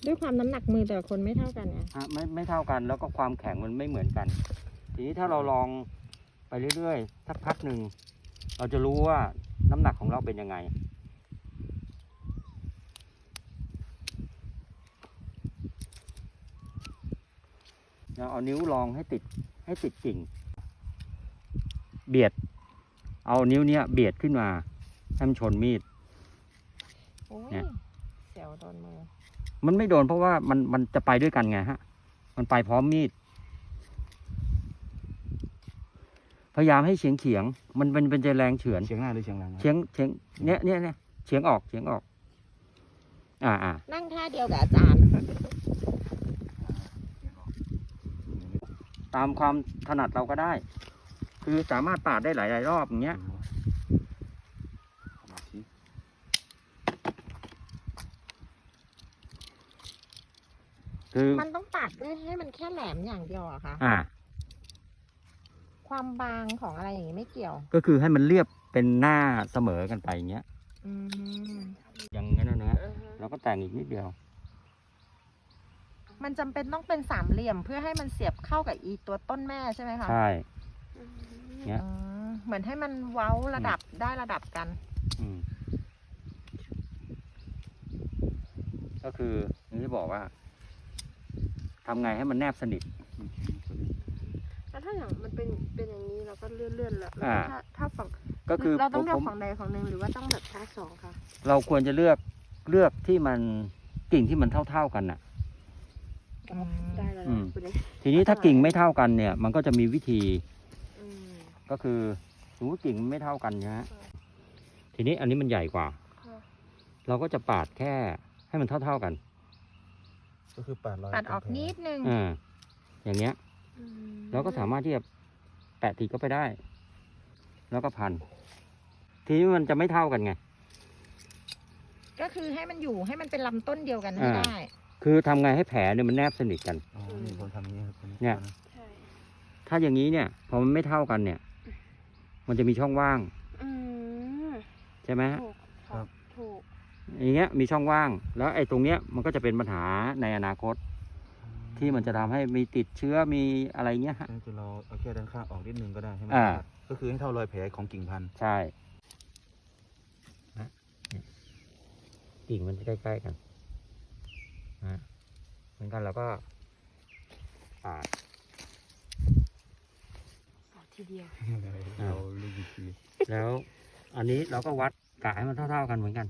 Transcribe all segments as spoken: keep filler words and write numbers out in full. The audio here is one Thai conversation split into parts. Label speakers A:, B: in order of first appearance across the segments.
A: ด้วยความน้ำหนักมือแต่ละคนไม่เท่ากันไง
B: ฮะไม่ไม่เท่ากันแล้วก็ความแข็งมันไม่เหมือนกัน ทีนี้ถ้าเราลองไปเรื่อยๆสักพักหนึ่งเราจะรู้ว่าน้ำหนักของเราเป็นยังไงเราเอานิ้วลองให้ติดให้ติดกิ่งเบียดเอานิ้วเนี้ยเบียดขึ้นมาให้มันชนมีด
A: โอ้ย
B: เนี่ย
A: เสียวโดนมือ
B: มันไม่โดนเพราะว่ามันมันจะไปด้วยกันไงฮะมันไปพร้อมมีดพยายามให้เฉียงเฉียงมันเป็นเป็นจะแรงเฉือน
C: เฉียงหน้าหรือเฉียงหลังครับ
B: เฉียงเฉียงเนี้ยเนี้ยเนี้ยเฉียงออกเฉียงออก อ่าอ่า
A: นั่งท่าเดียวกับอาจารย์
B: ตามความถนัดเราก็ได้ คือสามารถปาดได้หลาย ๆ รอบอย่างเงี้ย คือ
A: มันต้องตัดด้วยให้มันแค่แหลมอย่างเดียวอะค่ะ
B: อ่า
A: ความบางของอะไรอย่างนี้ไม่เกี่ยว
B: ก็คือให้มันเรียบเป็นหน้าเสมอกันไปอย่างเงี้ย
A: อืม
B: อย่างนั้นนะฮะเราก็แต่งอีกนิดเดียว
A: มันจำเป็นต้องเป็นสามเหลี่ยมเพื่อให้มันเสียบเข้ากับอีตัวต้นแม่ใช่ไหมคะ
B: ใช่เนี้ย
A: อืมเหมือนให้มันเว้าระดับได้ระดับกัน
B: อืมก็คืออย่างที่บอกว่าทำไงให้มันแนบสนิท
D: แล้วถ้าอย่างมันเป็นเป็นอย่างนี้เราก็เลื่อนเลื่อนๆแล้ว
B: อ่า
D: ถ้าถ้าฝั่ง
B: ก็คือ
D: เราต้องเลือ
B: ผ
D: ก
B: ม
D: ฝั่งใดฝั่งหนึ่งหรือว่าต้องแบบทั้งสองค่ะ
B: เราควรจะเลือกเลือกที่มันกิ่งที่มันเท่า ๆกันน่ะ
A: อืม
D: ได้แล้ว
B: อืม
D: นะคุณเอก
B: ทีนี้ถ้ากิ่งไม่เท่ากันเนี่ย มันก็จะมีวิธี
D: อืม
B: ก็คือสมมติกิ่งมันไม่เท่ากันนะฮะ
D: ค่ะ
B: ทีนี้อันนี้มันใหญ่กว่า
D: ค่ะ
B: เราก็จะปาดแค่ให้มันเท่า ๆกัน
C: ก็คือปาดรอย
A: ตัดออกนิดนึง
B: อ่าอย่างเงี้ย
D: อืม
B: เราก็สามารถที่จะแปะติดก็ไปได้ แล้วก็พัน ทีนี้มันจะไม่เท่ากันไง
A: ก็คือให้มันอยู่ให้มันเป็นลำต้นเดียวกันให้
B: อ่า
A: ได้
B: คือทำไงให้แผลเนี่ยมันแนบสนิทกัน
C: อ๋อนี่ผมทำอย่างนี้ครับตัว
B: เนี่ย
D: ใช่
B: ถ้าอย่างนี้เนี่ยพอมันไม่เท่ากันเนี่ย มันจะมีช่องว่าง
D: อืม
B: ใช่ไหมฮะ
D: ถูกครับถูก
B: อย่างเงี้ยมีช่องว่าง แล้วไอ้ตรงเนี้ยมันก็จะเป็นปัญหาในอนาคต ที่มันจะทำให้มีติดเชื้อมีอะไรเงี้ยฮะ
C: นั่นคือเราเอาแค่ด้านข้างออกนิดนึงก็ได้ใช่ไหม
B: อ่า
C: ก็คือให้เท่ารอยแผลของกิ่งพันธุ์
B: ใช่นะเนี่ยกิ่งมันจะใกล้ๆกันนะเหมือนกันเราก็ปาด
D: ทีเดียว
C: เราลูกวิธี
B: แล้วอันนี้เราก็วัดกะให้มันเท่าๆกันเหมือนกัน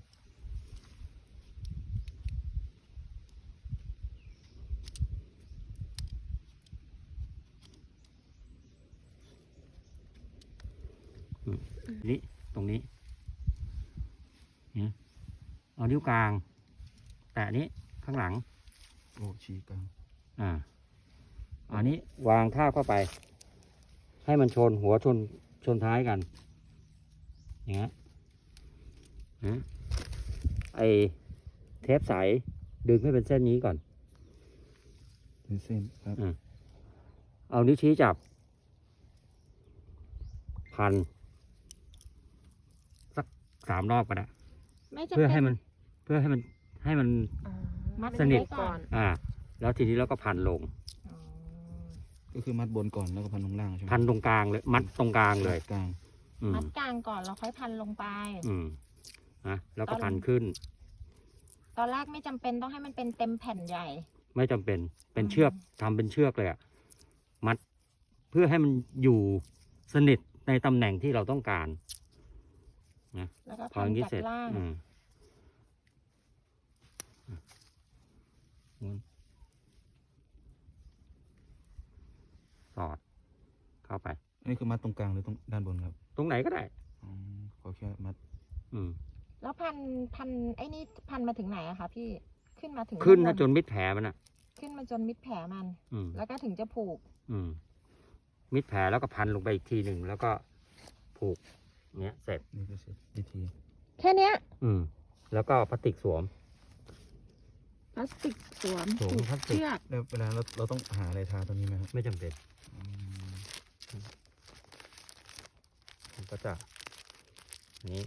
B: อืมนี่ตรงนี้เนี่ยเอานิ้วกลาง แตะนี้ข้างหลัง
C: โอ้ชี้กลาง
B: อ่า อันนี้วางท่าบเข้าไป ให้มันชนหัวชนชนท้ายกัน อย่างเงี้ยนะไอเทปใสดึงให้เป็นเส้นนี้ก่อน
C: เป็นเส้นครับ
B: อ่าเอานิ้วชี้จับ พัน สักสามรอบก็ได้
A: ไม่จำ
B: เพื่อ
A: เป็
B: ให้
A: น
B: มัน เพื่อให้มันให้มัน
A: อ๋อมัด
B: สนิท
A: ไว้ก่อน
B: อ่า แล้วทีนี้เราก็พันลง
A: อ๋อ
C: ก็คือมัดบนก่อนแล้วก็พันลงล่างใช่ไหม
B: พันตรงกลางเลย มัดตรงกลางเลย
C: กลาง
B: อืม
A: มัดกลางก่อนแล้วค่อยพันลงไป
B: อืมนะแล้วก็
A: ตอน
B: พันขึ้น
A: ตอนแรกไม่จำเป็นต้องให้มันเป็นเต็มแผ่นใหญ่
B: ไม่จำเป็น เป็น
A: อืม
B: เชือกทำเป็นเชือกเลยอะมัด เพื่อให้มันอยู่สนิทในตำแหน่งที่เราต้องการ
A: แล้วก็
B: พอ
A: พั
B: อน ย่างนี้
A: จาก
B: เสร็จ
A: ล่าง
B: อืมหมุนสอด เข้าไป
C: อันนี้คือมัดตรงกลางหรือตรงด้านบนครับ
B: ตรงไหนก็ได้
C: อ๋อขอแค่มัด
B: อืม
A: แล้วพันพันไอ้นี่พันมาถึงไหนอะคะพี่ขึ้นมาถึง
B: ขึ้น
A: ด้
B: ถ้า
A: บ
B: จนมิดแผลมันอะ
A: ขึ้นมาจนมิดแผลมัน
B: อืม
A: แล้วก็ถึงจะผูก
B: อืม มิดแผลแล้วก็พันลงไปอีกทีหนึ่งแล้วก็ผูกเนี้ยเสร็จ
C: นี่ก็เสร็จวิธี
A: แค่เนี้ย
B: อืม แล้วก็พลาสติกสวม
A: พลาสติกสวม
B: สวม
A: ผูก
B: พลาสติก
A: เชือก
C: แล้วเวลาเราเราต้องหาอะไรทาตรงนี้ไหมครับ
B: ไม่จำเป็น
C: อืม
B: มันก็จะนี้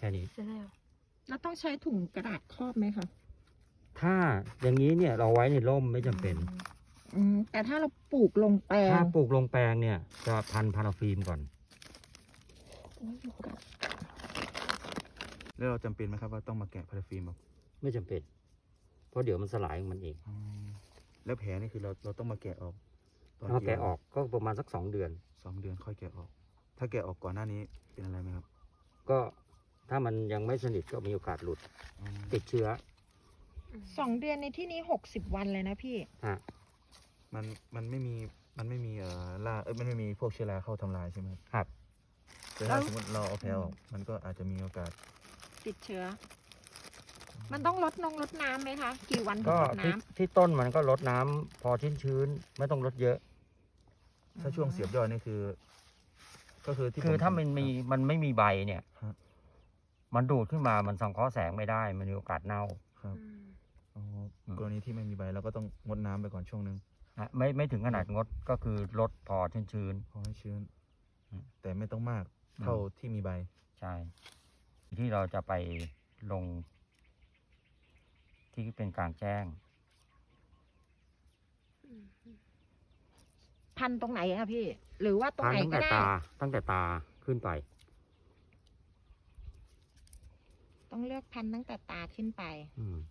B: ค่นี้
D: เสร็จแล้ว
A: แล้วต้องใช้ถุงกระดาษครอบไหมคะ
B: ถ้าอย่างนี้เนี่ยเราไว้ในร่มไม่จำเป็น
A: อืมแต่ถ้าเราปลูกลงแปล
B: ถ้าง ปลูกลงแปลงเนี่ยจะพันพาราฟิล์มก่อน
A: โอ้ยอยู่กับ
C: แล้วเราจำเป็นไหมครับว่าต้องมาแกะพาราฟิล์มแบบ
B: ไม่จำเป็น เพราะเดี๋ยวมันสลายของมันเอง
C: อืมแล้วแผลนี่คือเราเราต้องมาแกะออกตอน
B: ถ้า
C: กี่
B: แกะ
C: วัน
B: ออกก็ประมาณสักสองเดือน
C: สองเดือนค่อยแกะออก ถ้าแกะออกก่อนหน้านี้เป็นอะไรไหมครับ
B: ก็ถ้ามันยังไม่สนิทก็มีโอกาสหลุด
C: อืม
B: ติดเชื้อ
A: สองเดือนในที่นี้หกสิบวันเลยนะพี่
B: ฮะ
C: มันมันไม่มีมันไม่มีเอ่อล่าเอ้ยมันไม่มีพวกเชื้อราเข้าทำลายใช่ไหมครับ
B: ครับ
C: แต่ถ้าสมมติเราเอาแผลออกมันก็อาจจะมีโอกาส
A: ติดเชื้อ มันต้องลดนงลดน้ำไหมคะ กี่วันถึ
B: ก็
A: งลด
B: ที่
A: น้ำ
B: ที่ต้นมันก็ลดน้ำพอชื้นชื้นๆไม่ต้องลดเยอะ
C: ถ้าช่วงเสียบยอดนี่คือ ก็คือที่
B: คือ
C: ผ
B: ถ้ามันมีมันไม่มีใบเนี่ย
C: ฮะ
B: มันดูดขึ้นมามันสังเคราะห์แสงไม่ได้ มันมีโอกาสเน่า
C: ครับ
D: อืม
C: อ๋อกรณีที่ไม่มีใบเราก็ต้องงดน้ำไปก่อนช่วงนึง
B: นะไม่ไม่ถึงขนาดงดก็คือลดพอชื้นชื้น
C: พอให้ชื้น
B: อืม
C: แต่ไม่ต้องมาก
B: อืม
C: เท่าที่มีใบ
B: ๆใช่ ที่เราจะไปลง ที่เป็นกลางแจ้ง
D: อืม
A: พันตรงไหนอะพี่ หรือว่าตรง
B: พัน
A: ไหน
B: ตั้ง
A: ก็
B: แต่
A: ได้
B: ตาตั้งแต่ตาขึ้นไป
A: ต้องเลือกพันตั้งแต่ตาขึ้นไป
B: อืม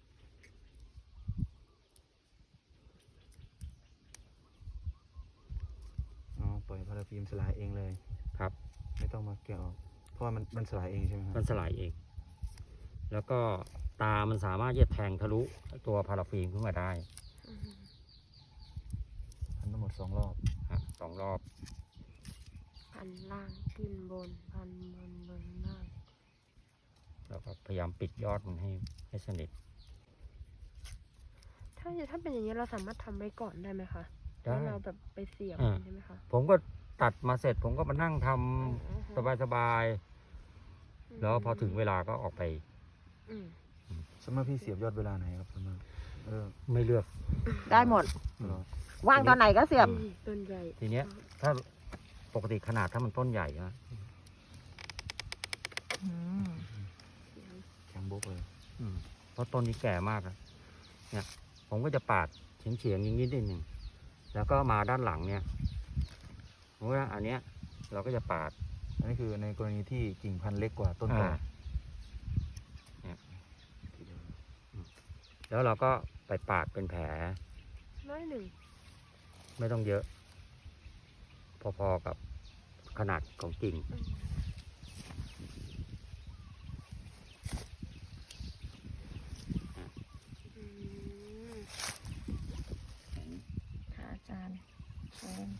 C: อ๋อ ปล่อยพาราฟิล์มสลายเองเลย
B: ครับ
C: ไม่ต้องมาแกะออก เพราะว่ามันมันสลายเองใช่ไหมค
B: มั
C: รั
B: น
C: บ
B: สลายเอง แล้วก็ตามันสามารถที่จะแทงทะลุตัวพาราฟิล์มขึ้นมาได้
D: อืม
C: พันทั้งหมดสองรอบ
B: ฮะสองรอบ
D: พันล่างขึ้นบน พันบนบนล่าง
B: แล้วก็พยายามปิดยอดมันให้ให้สนิท
D: ถ้าถ้าเป็นอย่างนี้เราสามารถทำไว้ก่อนได้ไหมคะ
B: ได้
D: แล้วเราแบบไปเสียบ
B: อ่า
D: ใช่ไหมคะ
B: ผมก็ตัดมาเสร็จ ผมก็มานั่งทำ
D: อืม
B: สบายๆ แล้วพอถึงเวลาก็ออกไป
D: อืม
C: สมมติพี่เสียบยอดเวลาไหนครับสมมติเออ
B: ไม่เลือก
A: ได้หมด
C: ตลอด
A: ว่างตอนไหนก็เสียบ
D: นี่ต้นใหญ่
B: ทีเนี้ย ถ้าปกติขนาดถ้ามันต้นใหญ่นะ
A: อืม
C: แข็งโบกเลย
B: อืมเพราะต้นนี้แก่มากอะเนี่ย ผมก็จะปาดเฉียงเฉียงๆนิดนิดหนึ่ง แล้วก็มาด้านหลังเนี่ยเพราะว่าอันเนี้ย เราก็จะปาด
C: อันนี้คือในกรณีที่กิ่งพันธุ์เล็กกว่าต้นต่อ
B: อ่า แล้วเราก็ไปปาดเป็นแผล
D: น้อยหนึ่ง
B: ไม่ต้องเยอะ พอๆกับขนาดของกิ่ง
D: อืมอืม
A: ค่ะอาจารย์เชิญ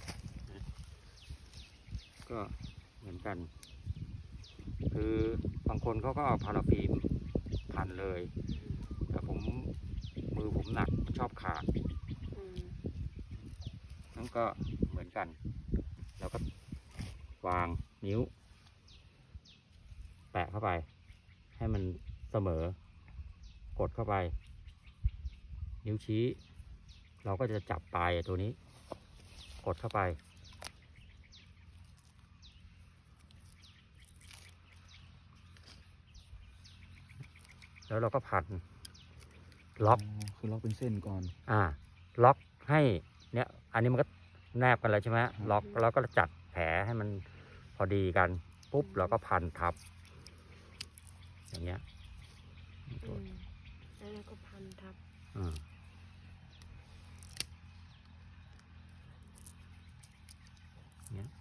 B: ก็เหมือนกัน คือบางคนเขาก็เอาพาราฟิล์มพันเลย แต่ผมมือผมหนักชอบขาด
D: อืม
B: นั่นก็เหมือนกัน แล้วก็วางนิ้ว แปะเข้าไป ให้มันเสมอ กดเข้าไป นิ้วชี้ เราก็จะจับปลายตัวนี้ กดเข้าไป แล้วเราก็พัน ล็อก
C: คือล็อกเป็นเส้นก่อน
B: อ่า ล็อกให้เนี่ย อันนี้มันก็แนบกันแล้วใช่ไหมล็อกแล้วก็จัดแผลให้มันพอดีกัน ปุ๊บเราก็พันทับ อย่างเงี้ย
D: อืมแล้วเราก็พันทับ
B: อืมเงี้ย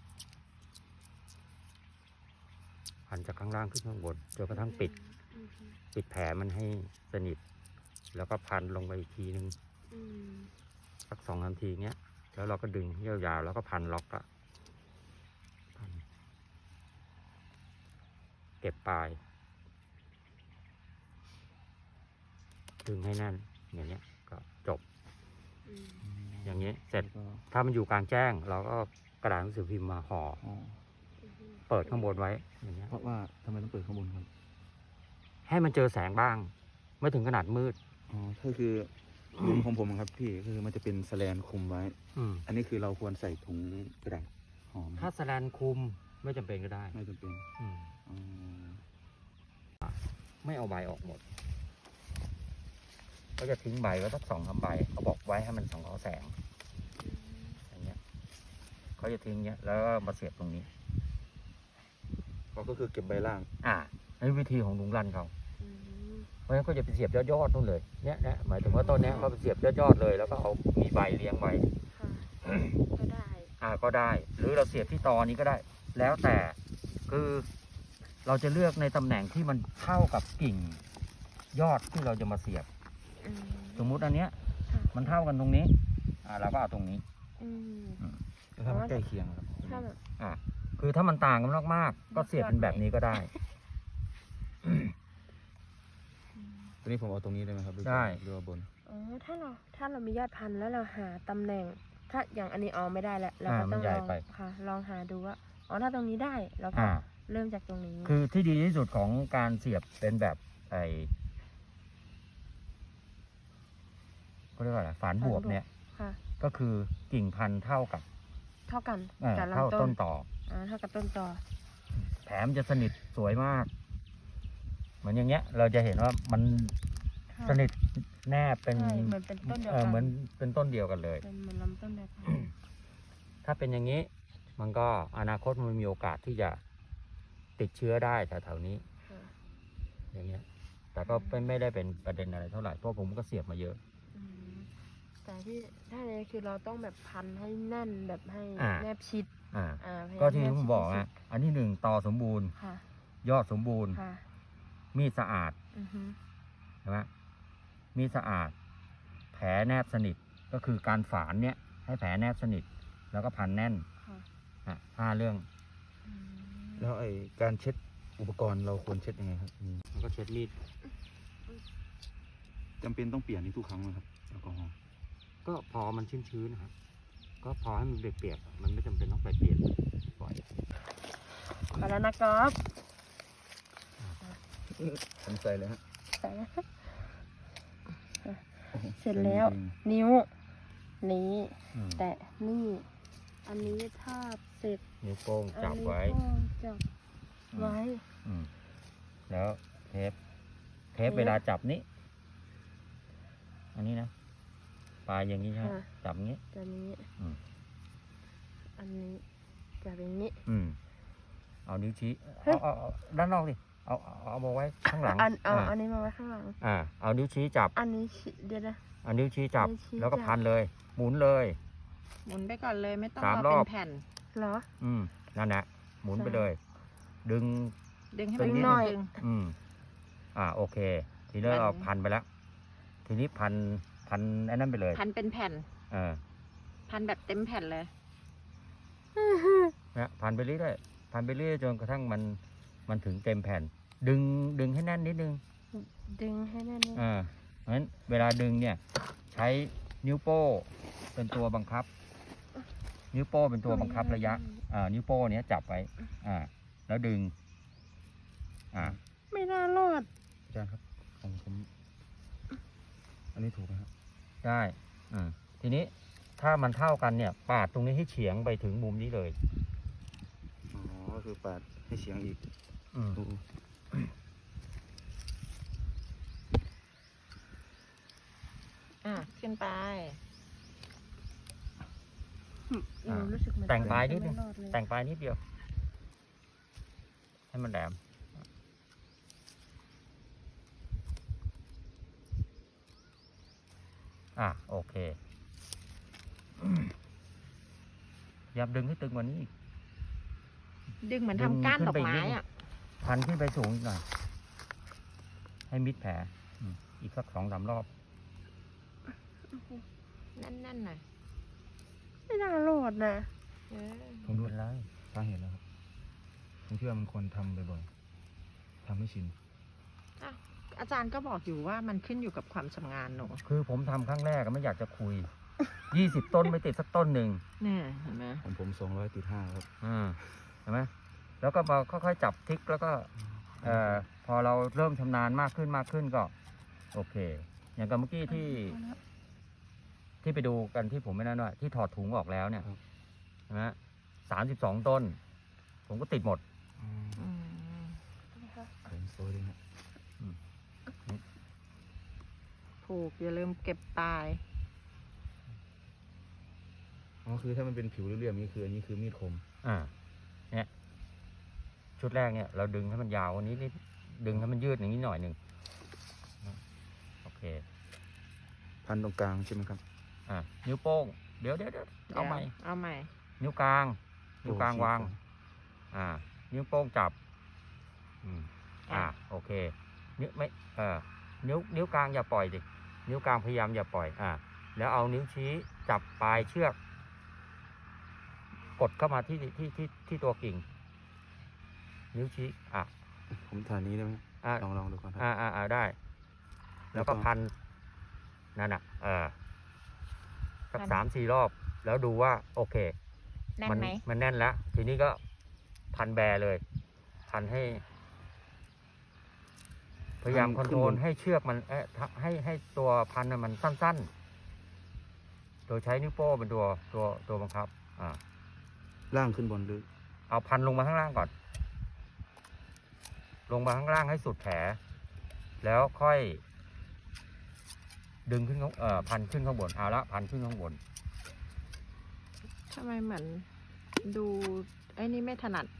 B: พันจากข้างล่างขึ้นข้างบนจนกระทั่งปิด
D: อืม
B: ปิดแผลมันให้สนิท แล้วก็พันลงไปอีกทีนึง
D: อืม
B: สักสองนาทีเงี้ย แล้วเราก็ดึงยาวๆแล้วก็พันล็อกอะพันเก็บปลาย ดึงให้แน่น อย่างเงี้ย ก็จบ
D: อืม
B: อย่างเงี้ยเสร็จ
C: แล้วก็
B: ถ้ามันอยู่กลางแจ้ง เราก็กระดาษหนังสือพิมพ์มาห่อ
C: อ๋อ
D: อืม
B: เปิดข้างบนไว้ อย่างเงี้ย
C: เพราะว่าทำไมต้องเปิดข้างบนครับ
B: ให้มันเจอแสงบ้าง ไม่ถึงขนาดมืด
C: อ๋อก็คือมุมของผมครับพี่คือมันจะเป็นแสแลนคุมไว้
B: อืม
C: อันนี้คือเราควรใส่ถุงกระดาษหอม
B: ถ้าแสแลนคุมไม่จำเป็นก็ได้
C: ไม่จำเป็น
B: อืม
C: อ๋อ
B: ไม่เอาใบออกหมด ก็จะทิ้งใบไว้สักสองสามใบเขาบอกไว้ให้มันส่องเขาแสงอย่างเงี้ยเขาจะทิ้งเงี้ยแล้วก็มาเสียบตรงนี้
C: ก็คือเก็บใบล่าง
B: อ่านี่วิธีของลุงรันเขา
D: อืม
B: เพราะฉะนั้นก็จะไปเสียบยอดๆนู่นเลยเนี่ยเนี่ยหมายถึงว่าต้นเนี้ยเขาไปเสียบยอดๆเลย แล้วก็เอามีใบเลี้ยงไว้
D: ค่ะก็ได้
B: อ่าก็ได้ หรือเราเสียบที่ตอนี้ก็ได้ แล้วแต่คือเราจะเลือกในตำแหน่งที่มันเท่ากับกิ่งยอดที่เราจะมาเสียบ
D: อืม
B: สมมุติอันเนี้ย
D: ค่ะ
B: มันเท่ากันตรงนี้ อ่าเราก็เอาตรงนี้
D: อืม
C: แล้วถ้ามันใกล้เคียงครับ
D: ถ้าแบบ
B: อ่าคือถ้ามันต่างกันมากๆก็เสียบเป็นแบบนี้ก็ได้
C: ตัวนี้ผมเอาตรงนี้ได้ไหมครับหรือ
B: ได้
C: หรือว่าบน
D: อ๋อถ้าเราถ้าเรามียอดพันธุ์แล้วเราหาตำแหน่ง ถ้าอย่างอันนี้เอาไม่ได้แล้วเรา
B: อ่า
D: ก็
B: มั
D: ต้อน ง
B: ใหญ่
D: ลอง
B: ไป
D: ค่ะ ลองหาดูว่าอ๋อถ้าตรงนี้ได้เราก็
B: อ่า
D: เริ่มจากตรงนี้
B: คือที่ดีที่สุดของการเสียบเป็นแบบไอก็เรียกว่าอะไรฝานบวบเนี่ย
D: ค่ะ
B: ก็คือกิ่งพันธุ์เท่ากับ
D: เท่ากัน
B: เอ่อ
D: กับ
B: เท่า
D: ลำต้
B: ต้
D: น
B: นต่อ
D: อ่าเท่ากับต้นต่อ
B: แถมจะสนิทสวยมาก เหมือนอย่างเงี้ย เราจะเห็นว่ามัน
D: ค่ะ
B: สนิทแนบเป็น
D: ใช่เหมือนเป็นต้นเดียว
B: เออ
D: กัน
B: เหมือนเป็นต้นเดียวกันเลย
D: เป็นเหมือนลำต้นเดียวกัน
B: ถ้าเป็นอย่างนี้ มันก็อนาคตมันมีโอกาสที่จะติดเชื้อได้แถวๆนี้
D: ค่ะ
B: อย่างเงี้ย แต่ก็ไม่ไม่ได้เป็นประเด็นอะไรเท่าไหร่ เพราะผมก็เสียบมาเยอะ
D: อืมแต่ที่ถ้าเนี่ยคือเราต้องแบบพันให้แน่นแบบให้
B: อ่า
D: แนบชิด
B: อ่า
D: อ่าพยายาม
B: ก็ที่
D: แน
B: ผม
D: ชิด
B: บอก
D: ที่สุ
B: อ่ะ
D: ด
B: อันที่หนึ่งต่อสมบูรณ์
D: ค่ะ
B: ยอดสมบูรณ์
D: ค่ะ
B: มีดสะอาด
D: อือฮึ
B: ใช่ไหมมีดสะอาด แผลแนบสนิท ก็คือการฝานเนี่ย ให้แผลแนบสนิท แล้วก็พันแน่น
D: ค่ะ
B: อ่ะห้าเรื่อง
D: อืม
C: แล้วไอ้การเช็ดอุปกรณ์เราควรเช็ดยังไงครับอืม
B: แล้วก็เช็ดมีด
C: จำเป็นต้องเปลี่ยนนี่ทุกครั้งไหมครับแอลกอฮอล์
B: ก็พอมันชื้นๆนะครับ ก็พอให้มันเปียกๆมันไม่จำเป็นต้องไปเปลี่ยนบ่อย
D: ไปแล้วนะก๊อฟ
C: ผมใส่เลยฮะ
D: ใส่แล้วเสร็จแล้ว นิ้ว นี้
B: อืม
D: แตะนี่ อันนี้ทาบเสร็จ
B: นิ้วโป้ง
D: อัน
B: จับ
D: นี้
B: ไว้
D: ก็จับไว้
B: อืมแล้วเทป เทป
D: เทป
B: เวลาจับนี้ อันนี้นะปลายอย่างนี้ใช่ไหม
D: ค่ะ
B: จับอย่างนี้
D: ตัวนี้
B: อืม
D: อันนี้จับอย่างนี้
B: อืม เอานิ้วชี้
D: เฮ้ย
B: เอาเอาเอาด้านนอกดิ เอาเอาเอามาไว้ข้างหลัง
D: อันเอา
B: อ่า
D: อันนี้มาไว้ข้างหลัง
B: อ่า เอานิ้วชี้จับ
D: อันนี้ชิเดี๋ยวนะ
B: เอานิ้วชี้จับ
D: นิ้วชี้
B: แล้วก็
D: จับ
B: พันเลย หมุนเลย
A: หมุนไปก่อนเลยไม่ต้อง
B: สาม
A: เอา
B: ร
A: เป็
B: อบ
A: นแผ่น
D: เหรอ
B: อืม นั่นแหละ หมุน
D: ใช่
B: ไปเลย ดึง
A: ดึงให้
B: ดึ
A: มัน
B: ง
A: นิด
D: หน่อย
A: นึง
B: อืม อ่า โอเค ทีนี้
A: มัน
B: เราพันไปแล้ว ทีนี้พัน พันไอ้นั่นไปเลย
A: พันเป็นแผ่น
B: เออ
A: พันแบบเต็มแผ่นเลย
B: นะพันไปเรื่อยๆพันไปเรื่อยๆจนกระทั่งมัน มันถึงเต็มแผ่น ดึง ดึงให้แน่นนิดนึง
D: ดึงให้แน่น
B: อ่า เพราะฉะนั้นเวลาดึงเนี่ย ใช้นิ้วโป้เป็นตัวบังคับ นิ้วโป้เป็นตัวบังคับระยะ อ่า นิ้วโป้เนี้ยจับไว้ อ่า แล้วดึง อ่า
D: ไม่น่ารอด
C: อาจารย์ครับของผม อันนี้ถูกไหมครับ
B: ได้อืมทีนี้ถ้ามันเท่ากันเนี่ย ปาดตรงนี้ให้เฉียงไปถึงมุมนี้เลย
C: อ๋อ ก็คือปาดให้เฉียงอีก
B: อืม
C: ดู
A: อ่ะ ขึ้นไป
D: หนูรู้สึกเหมือน
B: แต่งปลายนิดนึ
D: ไม่
B: ง
D: รอดเลย
B: แต่งปลายนิดเดียว ให้มันแหลม อ่ะ โอเคอย่าดึงให้ตึงกว่านี้อีก
A: ดึงเหมือน
B: ดึ
A: ทำ
B: ง
A: ก้าน
B: ขึ้น
A: ดอก
B: ไปอีก
A: ไม้
B: นิดนึง
A: อ่ะ
B: พันขึ้นไปสูงอีกหน่อย ให้มิดแผลอืมอีกสักสองสามรอบ
A: แน่นๆหน่อย
D: ไม่น่ารอดนะ
A: เออ
C: ผมดู
B: ไม่เป็นไร
C: สาเหตุแล้วครับ ผมเชื่อมันควรทำบ่อยๆทำให้ชิน
A: อาจารย์ก็บอกอยู่ว่ามันขึ้นอยู่กับความชำนาญหนู
B: คือผมทำครั้งแรกอะไม่อยากจะคุย ยี่สิบต้นไม่ติดสักต้นหนึ่ง
A: เนี่ยเห็นไหม
C: ของผมสองร้อยติดห้าครับ
B: อ่าเห็นไหมแล้วก็มาค่อยๆจับทิกแล้วก็ เอ่อพอเราเริ่มชำนาญมากขึ้นมากขึ้นก็ โอเค อย่างกับเมื่อกี้ที่ ที่ไปดูกันที่ผมไม่นั่นว่าที่ถอดถุงออกแล้วเนี่ย
C: ครับ
B: ใช่ไหมสามสิบสองต้น ผมก็ติดหมด
C: อืม
A: อืม
C: ผมโซ่ด้วยนะ
A: ผูกอย่าลืมเก็บตาย
C: อ๋อคือถ้ามันเป็นผิวเรียบๆนี้คืออันนี้คือมีดคม
B: อ่า เนี่ยชุดแรกเนี่ยเราดึงให้มันยาวกวันนี้นิดดึงให้มันยืดอย่างนี้หน่อยหนึ่งโอเค
C: พันตรงกลางใช่ไหมครับ
B: อ่านิ้วโป้งเดี๋ยวเดี๋ยวเดี๋ยวเอาใหม่
A: เอาใหม่
B: นิ้วกลาง นิ้วกลาง
C: โอเค
B: วาง
C: ครับ
B: อ่า นิ้วโป้งจับ อืม อ่า โอเค นิ้วไม่ เออนิ้ว นิ้วกลางอย่าปล่อยดิ นิ้วกลางพยายามอย่าปล่อย อ่า แล้วเอานิ้วชี้จับปลายเชือก กดเข้ามาที่ที่ที่ที่ตัวกิ่ง นิ้วชี้ อ่ะ
C: ผมถ่ายนี้ได้ไหม
B: อ่า
C: ลองลองดูก่อนครับ
B: อ่าอ่าอ่าได้ แล้วก็
C: แล้วก็
B: พัน นั่นอ่ะ เออสัก
A: พัน
B: สามสี่รอบ แล้วดูว่า โอเค
A: แน่น
B: มัน
A: ไหม
B: มันแน่นแล้ว ทีนี้ก็พันแบเลย พันให้ พยายามคอนโทรลให้เชือกมันเอ๊ะให้ให้ตัวพันน่ะมันสั้นๆ โดยใช้นิ้วโป้งเป็นตัวตัวตัวบังคับ อ่า
C: ล่างขึ้นบนหรือ
B: เอาพันลงมาข้างล่างก่อน ลงมาข้างล่างให้สุดแผล แล้วค่อย ดึงขึ้นข้างเอ่อพันขึ้นข้างบน เอาละพันขึ้นข้างบน
A: ทำไมเหมือนดูไอ้นี่ไม่ถนัด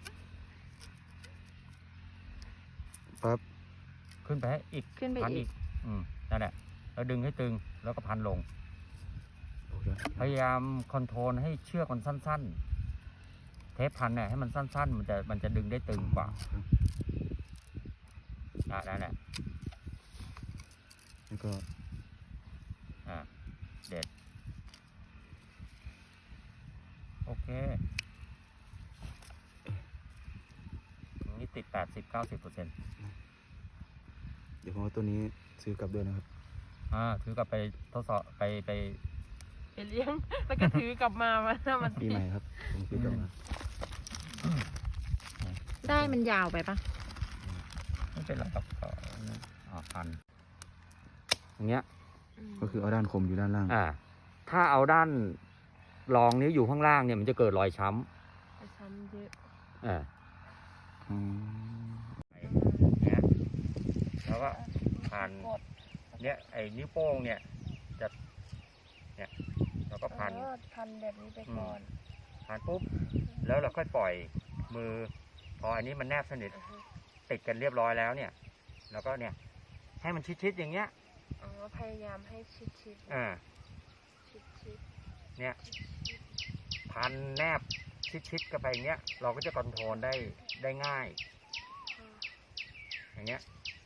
C: ปั๊บ
B: ขึ้นไปให้อีก
A: ขึ้นไป
B: พัน
A: อี
B: อี
A: ก
B: ก อืม นั่นแหละ แล้วดึงให้ตึง แล้วก็พันลง
C: โอเค
B: พยายามคอนโทรลให้เชือกมันสั้นๆ เทปพันเนี่ยให้มันสั้นๆ มันจะมันจะดึงได้ตึงกว่า
C: ครับ
B: อ่านั่นแหละ
C: แล้วก็
B: อ่า เด็ด โอเคตรงนี้ติดแปดสิบเก้าสิบเปอร์เซ็นต์
C: เดี๋ยวผมเอาตัวนี้ซื้อกลับด้วยนะครับ
B: อ่า ถือกลับไปทดสอบไปไป
D: ไปเลี้ยง แล้วก็ถือกลับมามันมัน
C: ปีใหม่ครับ ผมซื้อกลับมา
A: ได้มันยาวไปปะ
B: ไม่เป็นไรครับก็อ่าพันอย่างเงี้ย
C: ก็คือเอาด้านคมอยู่ด้านล่าง
B: อ่า ถ้าเอาด้านรองนี้อยู่ข้างล่างเนี่ยมันจะเกิดรอยช้
D: ไปช้ำเยอะ
B: ำอ่า
C: อืม
B: เนี่ยแล้วก็พันเนี่ยไอ้นิ้วโป้งเนี่ยจะเนี่ยเราก็พัน
D: อ๋อพันแบบนี้ไปก่อน
B: พันปุ๊บแล้วเราค่อยปล่อยมือ พออันนี้มันแนบสนิท
D: อือฮึ
B: ติดกันเรียบร้อยแล้วเนี่ยแล้วก็เนี่ยให้มันชิดๆอย่างเงี้ย
D: อ๋อพยายามให้ชิดชิด
B: อ่า
D: ชิดชิด
B: เนี่ยพันแนบชิดๆกันไปอย่างเงี้ยเราก็จะคอนโทรลได้ได้ง่าย อย่างเงี้ย